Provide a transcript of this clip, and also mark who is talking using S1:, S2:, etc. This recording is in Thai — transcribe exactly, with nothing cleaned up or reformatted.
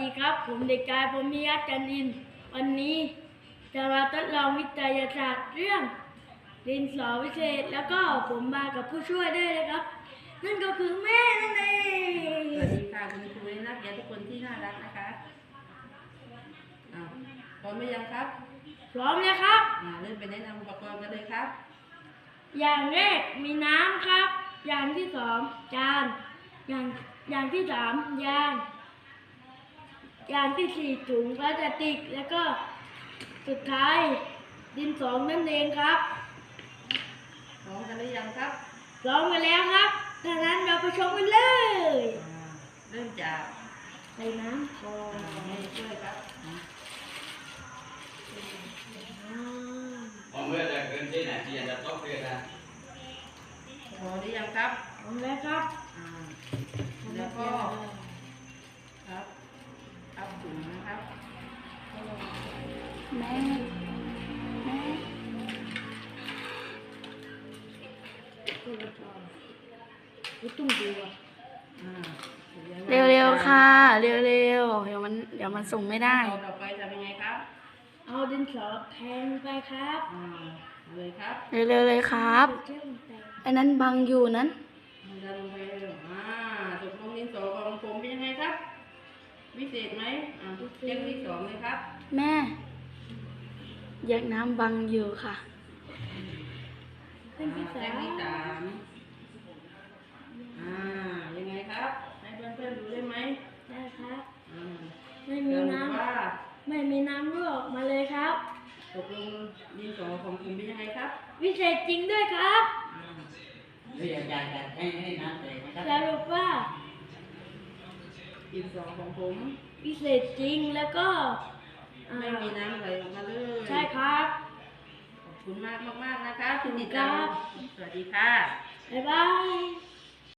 S1: ดีครับผมเด็กชายพรหมิยะจันทร์อินทร์วันนี้จะมาทดลองวิทยาศาสตร์เรื่องดินสอวิเศษแล้วก็ผมมากับผู้ช่วยด้วยนะครับนั่นก็คือแม่นั่นเอง
S2: สวัสดีค่ะคุณครูและนักเรียนทุกคนที่น่ารักนะคะอ่าพร้อมหรือยังครับ
S1: พร้อมแล้วครับ
S2: อ่าเริ่มไปแนะนำอุปกรณ์กันเลยครับ
S1: อย่างแรกมีน้ำครับอย่างที่สองจานอย่างอย่างที่สามยางอย่างที่สี่ถุงพลาสติกแล้วก็สุดท้ายดินสอนั่นเองครับ
S2: พร้อมกันหรือยังครับ
S1: พร้อมกันแล้วครับดังนั้นเราไปชมกันเลย
S2: เริ่มจาก
S1: ใส่น้ำก่อน
S2: ให้ช่วยครับ
S3: ผมเมื่อจะเกินที่ไหนที่จะต้องเรียนนะ
S2: พอหรือยังครับ
S1: พร้อมแล้วครับ
S2: แล้วก็ครับเอาถุงนะครับ
S1: แม่แม่ไม่ต้องดูอ่ะ
S4: เร็วๆค่ะเร็วๆเดี๋ยวมันเดี๋ยวมันส่งไม่ได้
S2: ต่อไปจะเป็นไงครับ
S1: เอาดินสอแทงไปครับ
S2: อ่าเลยครับ
S4: เร็วๆเลยครับไอ้นั้นบังอยู่นั้น
S2: ดันไปอ่าตกลงดินสอของผมเป็นยังไงครับวิเศษไหมอ่าเรื่องที่สองเลยครับ
S4: แม่แยกน้ำบังอยู่ค่ะ
S2: เรื่องที่สามอ่ายังไงครับให้เพื่อนๆดูได้ไหม
S1: ได้ครับ
S2: อ่า
S1: ไม่มีน้ำไม่มีน้ำรั่วออกมาเลยครับ
S2: ตกลงดินสอของผมเป็นยังไงครับ
S1: วิเศษจริงด้วยครับ
S3: เรียนการการให้ให้น้ำเตะนะครับ
S1: สรุปว่า
S2: ดินสอของผม
S1: วิเศษจริงแล้วก็
S2: ไม่มีน้ำไหลออกมาเลย
S1: ใช่ครับ
S2: ขอบคุณมากมากๆนะคะคุณติดตามสวัสดีค่ะ
S1: บ๊ายบาย